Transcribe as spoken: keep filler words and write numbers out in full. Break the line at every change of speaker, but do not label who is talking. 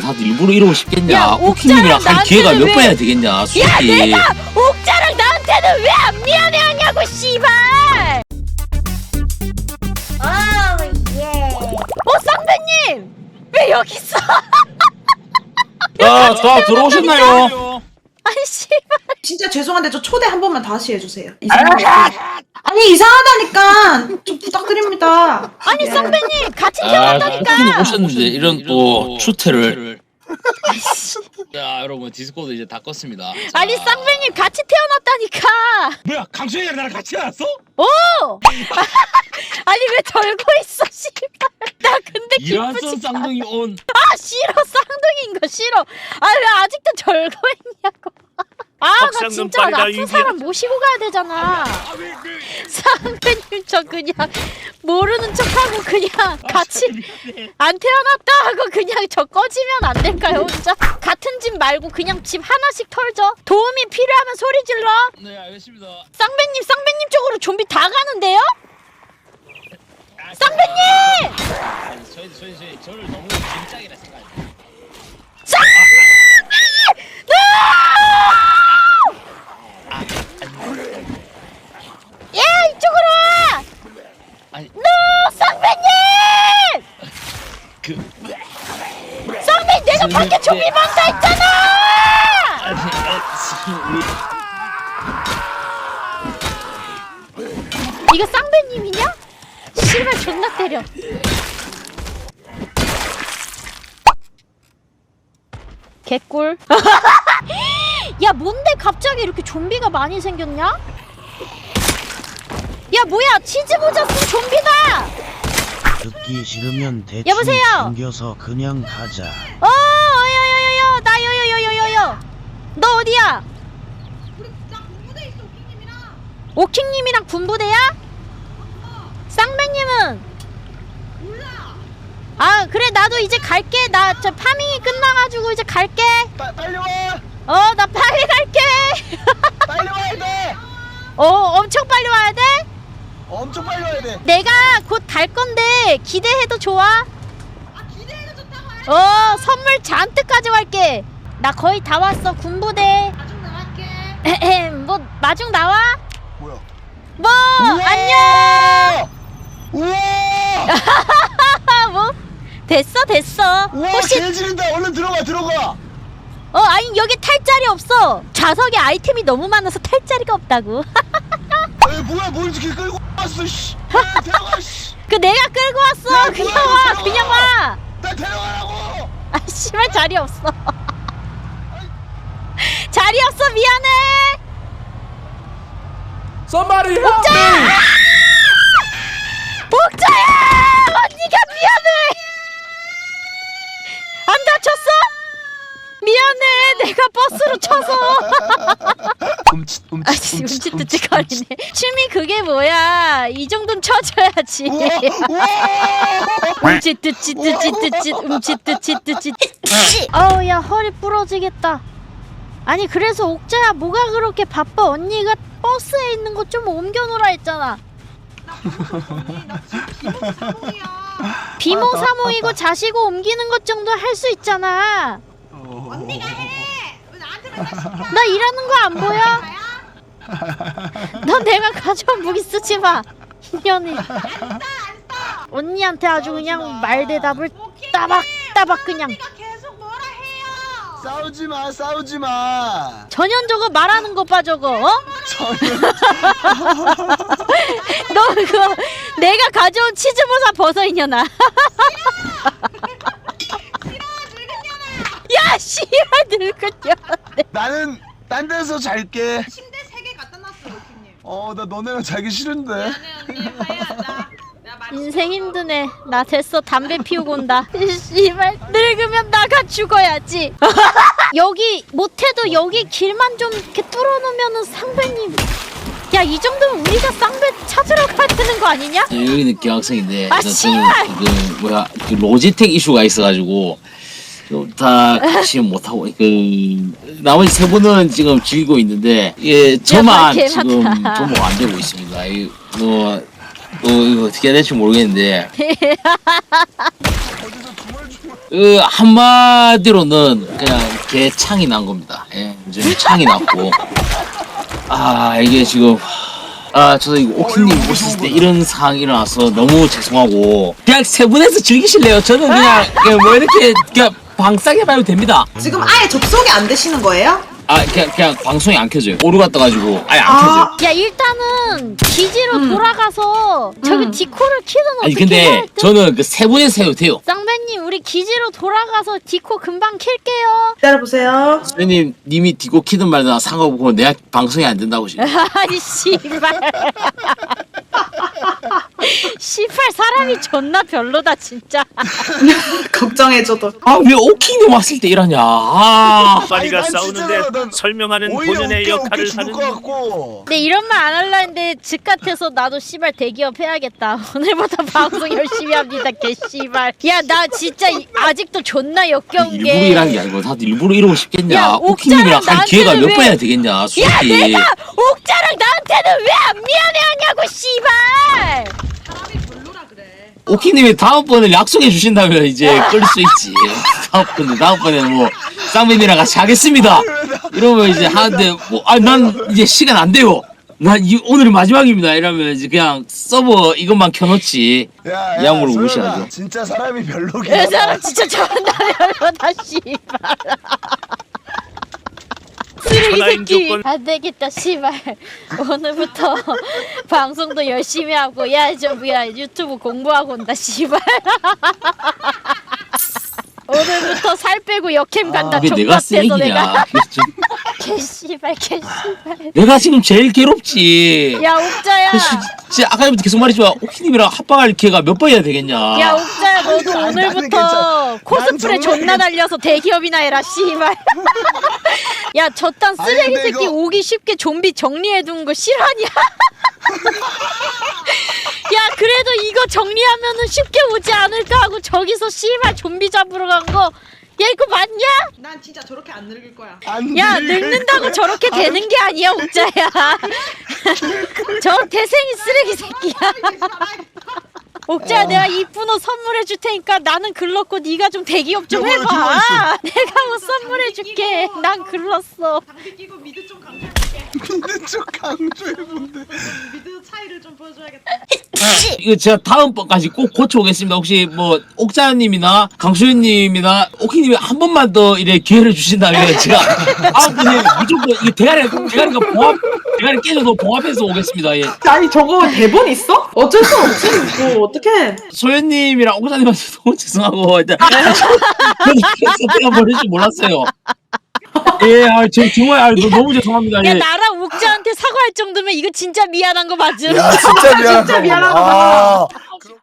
다들 일부러 이러고 싶겠냐?
야,
오킹님이랑 할 기회가 몇
왜...
번이나 되겠냐? 솔직히.
야 내가 옥자랑 나한테는 왜 안 미안해하냐고 씨발. 어 쌍배님 왜 여기 있어?
자, 자 들어오셨나요?
아니 씨발.
진짜 죄송한데 저 초대 한 번만 다시 해주세요. 이상하다. 아니 이상하다니까 좀 부탁드립니다.
아니
예.
쌍배님 같이
아,
태어났다니까.
오킹님 오셨는데 이런 또 추태를.
자 여러분 디스코드 이제 다 껐습니다. 자.
아니 쌍배님 같이 태어났다니까.
뭐야 강수현이랑 나랑 같이 나왔어?
오! 아니 왜 절고 있어 씨발. 나 근데
이란선
기쁘지 않아.
쌍둥이 온.
아 싫어 쌍둥이인 거 싫어. 아 왜 아직도 절고 있냐고. 아 나 진짜 나 아픈 사람 모시고 가야 되잖아. 쌍배님 저 그냥 모르는 척하고 그냥 같이 안 태어났다 하고 그냥 저 꺼지면 안 될까요 혼자? 같은 집 말고 그냥 집 하나씩 털죠. 도움이 필요하면 소리 질러.
네 알겠습니다.
쌍배님 쌍배님 쪽으로 좀비 다 가는데요? 쌍배님!
아니 저희 저희 저희 저를 너무 진작이라 생각해요.
야 이쪽으로 와!
아니
노 쌍배님!
그
쌍배님 내가 밖에 좀비 많다 했잖아!
아니 아니
이거 쌍배님이냐? 씨발 존나 때려. 개꿀. 야 뭔데 갑자기 이렇게 좀비가 많이 생겼냐? 야 뭐야 치즈 모자 쓴 좀비다!
듣기 싫으면 대충
여보세요?
생겨서 그냥 가자.
어 여여여여 나 여여여여여 너 어디야?
우리 나 군부대 있어 오킹님이랑.
오킹님이랑 군부대야? 쌍배님은?
몰라.
아 그래 나도 이제 갈게. 나 저 파밍이 끝나가지고 이제 갈게.
빠, 빨리 와
어 나 빨리 갈게.
빨리 와야 돼.
어 엄청 빨리 와야 돼?
엄청 빨리 와야 돼.
내가 곧 갈 건데 기대해도 좋아?
아 기대해도 좋다고 해.
어 선물 잔뜩 가져갈게. 나 거의 다 왔어 군부대.
나중 나갈게.
에헴 뭐 마중 나와?
뭐야?
뭐 안녕.
우와
뭐 됐어 됐어.
우와
혹시
개 지른다. 얼른 들어가 들어가.
어 아니 여기 탈 자리 없어. 좌석에 아이템이 너무 많아서 탈 자리가 없다고.
에이 뭐야 뭘 이렇게 끌고 왔어 씨. 에이, 데려가 씨.
그 내가 끌고 왔어.
야,
그냥
뭐야,
와
데려가.
그냥 와.
나 데려가라고.
아 씨발 자리 없어. 자리 없어 미안해.
Somebody help
옥자야! 옥자야! 언니가 미안해. 안 다쳤어? 미안해. 내가 버스로 쳐서.
움찔
아, 움찔움찔거리네. 춤이 그게 뭐야? 이 정도는 쳐줘야지. 움찔뜨찌뜨찌뜨찌 움찔뜨찌뜨찌. 어우 야 허리 부러지겠다. 아니 그래서 옥자야 뭐가 그렇게 바빠? 언니가 버스에 있는 거 좀 옮겨놓으라 했잖아.
나 비모 사몽이야.
비모 사모이고 자시고 옮기는 것 정도 할 수 있잖아.
언니가 해. 왜 나한테만 시켜?
나 일하는 거 안 보여? 너 내가 가져온 무기 쓰지 마. 인연이. 언니한테 아주 그냥 말대답을 따박 따박 그냥.
언니가 계속 뭐라 해요.
싸우지 마 싸우지 마.
전현 저거 말하는 거 봐 저거. 어?
전혀.
너 그거 내가 가져온 치즈보사 벗어 이년아. 야 씨발 늙은년아.
나는 딴 데서 잘게.
침대 세 개 갖다 놨어 오킹님.
어 나 너네랑 자기 싫은데.
미안해 언니 화해하자. 내가 말
인생 힘드네. 나 됐어. 담배 피우고 온다. 씨발 늙으면 나가 죽어야지. 여기 못해도 여기 길만 좀 이렇게 뚫어놓으면은 상배님. 야 이 정도면 우리가 쌍배 찾으러 가야 되는 거 아니냐?
여기는 기왕성인데
아,
저는
씨발!
그 뭐야 그 로지텍 이슈가 있어가지고 다 같이 못하고 그 나머지 세 분은 지금 즐기고 있는데 예 저만
개
지금
많다.
조목 안 되고 있습니다. 이 뭐 또 이거 어떻게 해야 될지 모르겠는데
어디서 주말 주말.
그 한마디로는 그냥 개창이 난 겁니다. 예, 이제 창이 났고 아 이게 지금 아 저도 이거 오키님 보셨을 때 이런 상황이 일어나서 너무 죄송하고 그냥 세 분에서 즐기실래요? 저는 그냥, 그냥 뭐 이렇게 그냥 방싸게 봐도 됩니다.
지금 아예 접속이 안 되시는 거예요?
아 그냥 그냥 방송이 안 켜져요. 오류가 떠가지고 아예 안
아.
켜져요.
야 일단은 기지로
음.
돌아가서 저기
음.
디코를 키든
아니
어떻게
근데
해야 돼?
저는 그 세 분에서 해도 돼요.
쌍배님 우리 기지로 돌아가서 디코 금방 킬게요.
기다려보세요.
선생님 님이 디고 키든 말든 상관없고 내가 방송이 안 된다고 지금.
아니 씨발 씨발 사람이 존나 별로다 진짜.
걱정해줘도.
아 왜 오키님 왔을 때 이러냐. 아.
아니,
빨리가
난
싸우는데
진짜 난
설명하는
오히려
본연의
웃겨,
역할을
웃겨 죽을
하는
것 같고.
근데 이런 말 안 할라 했는데 집 같아서 나도 씨발 대기업 해야겠다. 오늘부터 방송 열심히 합니다 개 씨발. 야 나 진짜 이- 아직도 존나 역겨운 게
일부러 일한 게 아니고 다들 일부러 이러고 싶겠냐.
야,
오키님이랑
옥자랑
할 기회가
나한테는
몇
왜-
번이나 되겠냐. 솔직히.
야 내가 옥자랑 나한테는 왜 안 미안해하냐고 씨발.
오키님이 다음번에 약속해 주신다면 이제 끌 수 있지. 다음번에 다음번에 뭐 쌍배님이랑 같이 하겠습니다. 이러면 이제 하는데 뭐 아 난 이제 시간 안 돼요. 난 이 오늘이 마지막입니다. 이러면 이제 그냥 서버 이것만 켜놓지.
야,
이 양으로
소연아,
무시하죠.
진짜 사람이 별로긴
그
하다.
사람 진짜 존나 별로다 씨발. 쓰레기
천하인
새끼
조건.
안 되겠다 씨발. 오늘부터 방송도 열심히 하고 야저 뭐야 유튜브 공부하고 온다 씨발. 오늘부터 살 빼고 역캠 간다.
그게 내가
족같아서
쓰레기냐.
내가
그게 좀-
개 씨발 개 씨발.
내가 지금 제일 괴롭지.
야 옥자야.
그 시- 진짜 아까부터 계속 말했지만 오키님이랑 합방할 기회가 몇 번이나 되겠냐.
야 옥자야 너도
아니, 나는
오늘부터
괜찮아.
코스프레
난 정말
존나 달려서 대기업이나 해라 씨발. 야 저딴
아니,
쓰레기
근데
새끼
이거-
오기 쉽게 좀비 정리해둔 거 싫어하냐? 야 그래도 이거 정리하면은 쉽게 오지 않을까 하고 저기서 씨발 좀비 잡으러 간 거 야 이거 맞냐?
난 진짜 저렇게 안 늙을 거야.
안
야
늙을
늙는다고
거야.
저렇게 되는 게 아니야 옥자야. 저 태생이 쓰레기 새끼야. 옥자야 내가 이쁜 옷 선물해 줄 테니까 나는 글렀고 네가 좀 대기업 좀
야, 뭐야,
해봐.
들어와 있어.
내가 옷 선물해 줄게. 난 글렀어.
장비 끼고 미드 좀 강조해볼게.
믿는 척 강조해본데.
미드 차이를 좀 보여줘야겠다.
이거 제가 다음번까지 꼭 고쳐오겠습니다. 혹시 뭐 옥자님이나 강수현님이나 오키님이 한 번만 더 이래 기회를 주신다면 제가 다음번에 무조건 이 대가리 대가리가 봉합 대가리 깨져도 봉합해서 오겠습니다. 예.
아니 저거 대본 있어? 어쩔 수 없지. 뭐 어떡해.
소연님이랑 옥자님한테 너무 죄송하고 일단 저는 내가 버릴 줄 몰랐어요. 예, 아, 저, 정말 아, 너, 너무 죄송합니다.
야
예.
나랑 옥자한테 사과할 정도면 이거 진짜 미안한 거 맞음?
야 진짜 미안하다.
진짜 미안하다.
아,